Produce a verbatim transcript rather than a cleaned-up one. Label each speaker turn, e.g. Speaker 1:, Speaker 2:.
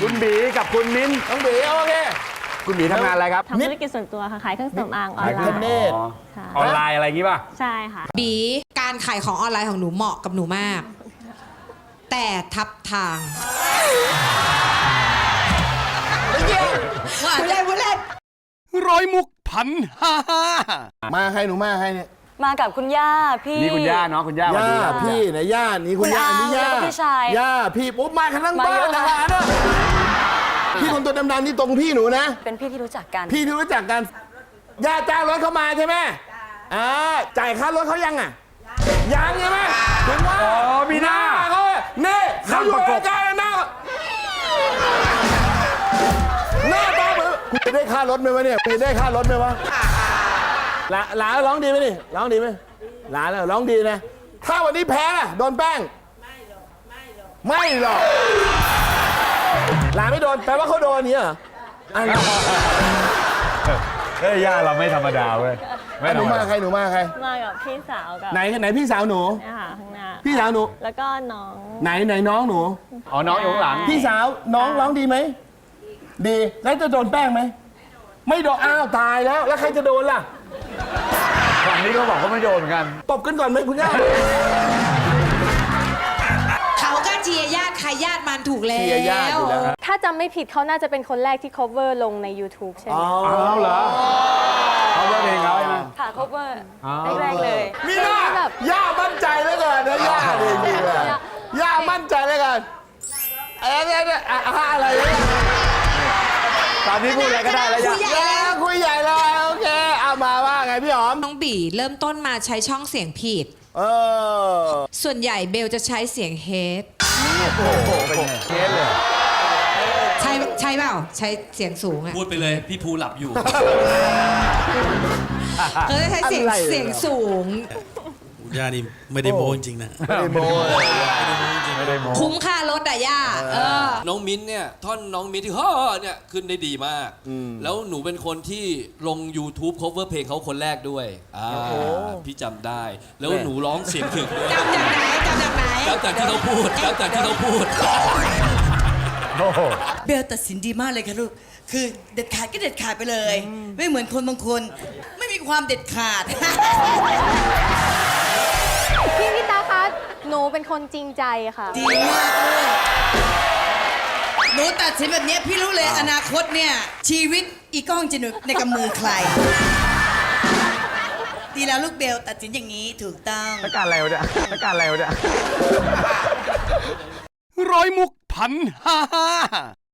Speaker 1: คุณบีกับคุณมิ้น
Speaker 2: น้องบีโอเค
Speaker 1: คุณบีทำงานอะไรครับ
Speaker 3: ทำธุรกิจส่วนตัวค่ะขายเครื่องสำอางออนไล
Speaker 2: ขายเครื่อง
Speaker 3: น์
Speaker 2: เนตร
Speaker 1: ออนไลน์อะไรอย่างงี้ป่ะ
Speaker 3: ใช่ค่ะ
Speaker 4: บีการขายของออนไลน์ของหนูเหมาะกับหนูมาก แต่ทับทางว่าเล่นว่าเล่น
Speaker 5: ร้อยมุกพันห้าห้า
Speaker 2: มาใครหนูมาใครเนี่ย
Speaker 6: มากับคุณย่าพี่
Speaker 1: นี่คุณย่าเนาะคุณย่า
Speaker 2: ย่า
Speaker 1: สวัสดี
Speaker 2: พี่นะย่านี่คุณย่า
Speaker 6: คุณอา
Speaker 2: นี่ย่า
Speaker 6: แล้วก็พี่ชาย
Speaker 2: ย่าพี่ปุ๊บมากันทั้ง
Speaker 6: มา
Speaker 2: บ้า
Speaker 6: เย
Speaker 2: น
Speaker 6: อะ
Speaker 2: นะ
Speaker 6: มาก
Speaker 2: นะพี่คนตัวดำๆนี่ตรงพี่หนูนะ
Speaker 6: เป็นพี่ที่รู้จักกัน
Speaker 2: พี่ที่รู้จักกันย่าจ้างรถเขามาใช่ไหมอ่าจ่ายค่ารถเขายังอ่ะยังใช่ไหมถึงว่า
Speaker 1: อ๋อมีหน้า
Speaker 2: เขาเนี่ยเขาอยู่ในใจหน้าหน้าตาเหมือนคุณจะได้ค่ารถไหมวะเนี่ยคุณจะได้ค่ารถไหมวะหลาหลาร้องดีไหมนี่ร้องดีไหมหลาแล้วร้องดีนะถ้าวันนี้แพ้ล่ะโดนแป้งไม่หรอกไม่หรอกหลาไม่โดนแปลว่าเขาโดนเนี่ยเหรออันนี้
Speaker 1: เฮ้ยย่าเราไม่ธรรมดาเว้ยไม่
Speaker 2: ห
Speaker 1: ธร
Speaker 2: นู
Speaker 1: รม
Speaker 2: มา
Speaker 1: ดา
Speaker 2: ใครหนูมาใคร
Speaker 3: มากับพี่สาวกับ
Speaker 2: ไหนไหนพี่สาวหนู
Speaker 3: เนี่ยค่ะข้างหน้า
Speaker 2: พี่สาวหนู
Speaker 3: แล้วก็น้อง
Speaker 2: ไหนไหนน้องหนู
Speaker 1: อ๋อน้องอยู่ข้างหลัง
Speaker 2: พี่สาวน้องร้องดีไหมดีแล้วจะโดนแป้งไหมไม่โดนอ้าวตายแล้วแล้วใครจะโดนล่ะ
Speaker 1: ฝั่งนี้ก็บอกเขาไม่โดนเหมือนกัน
Speaker 2: ตบกันก่อนไหมคุณย่า
Speaker 4: เขาก็เชียร์ญาติใครญาติมันถูกแล้ว
Speaker 2: เชียร์ญาติอยู่แล้วครับ
Speaker 7: ถ้าจำไม่ผิดเขาน่าจะเป็นคนแรกที่ cover ลงใน YouTube ใช่ไหม
Speaker 1: เอาเหรอเขาเลือกเองเขาใช่ไหม
Speaker 6: ค่ะ cover
Speaker 1: อ๋อ
Speaker 6: แรกๆเลย
Speaker 2: มีหน้าย่ามั่นใจแล้วกันนะย่าดีดีเลยย่ามั่นใจแล้วกันเอ๊ะเนี่ยเนี่ยอะอะอะไรเนี่ย
Speaker 1: ตอนนี้พูดอะไรก็ได้แล้วย่า
Speaker 4: คุยใหญ่
Speaker 2: ย่าคุยใหญ่เลยโอเคเอามาว่าไงพี่หอม
Speaker 4: น้องบีเริ่มต้นมาใช้ช่องเสียงผิด
Speaker 2: เออ
Speaker 4: ส่วนใหญ่เบลจะใช้เสียงเฮด
Speaker 1: เป็นไงเคสเลย
Speaker 4: ใช่ใช่เปล่าใช้เสียงสูงอะ
Speaker 5: พูดไปเลย พี่ภูหลับอยู่
Speaker 4: เขาจะใช้เสียง
Speaker 2: อะไรเนี่ย
Speaker 4: เสียงสูง
Speaker 5: ย่านี่ไม่ได้โม้จริงๆนะ
Speaker 2: ไม่ได้โม้เลย
Speaker 1: ไม่ได้โม้
Speaker 4: คุ้มค่ารถอะย่าเออ
Speaker 8: น้องมิ้นท์เนี่ยท่อนน้องมิ้นท์ที่ฮ่อเนี่ยขึ้นได้ดีมาก แล้วหนูเป็นคนที่ลง YouTube cover เพลงเขาคนแรกด้วยอ่าพี่จำได้ แล้วหนูร้องเสียงถึงด้วย
Speaker 4: จำจากไหนจำจากไหน
Speaker 8: จำจากที่เขาพูดจำจากที่เขาพูด
Speaker 1: โอ้โห
Speaker 9: เบลตัดสินดีมากเลยค่ะลูก คือเด็ดขาดก็เด็ดขาดไปเลย ไม่เหมือนคนบางคน ไม่มีความเด็ดขาด
Speaker 7: พี่พิตาคะหนูเป็นคนจริงใจค่ะ
Speaker 9: ดีมากเลยหนูตัดสินแบบเนี้ยพี่รู้เลยอนาคตเนี่ย ชีวิตอีก้องจะอยู่ในกำมือใคร ดีแล้วลูกเบลตัดสินอย่างนี้ถูกต้อง
Speaker 1: แล้วการอะไรวะเนี่ยแล้วการอะไรวะเนี่ย
Speaker 5: ร้อยมุกพันห้าห้า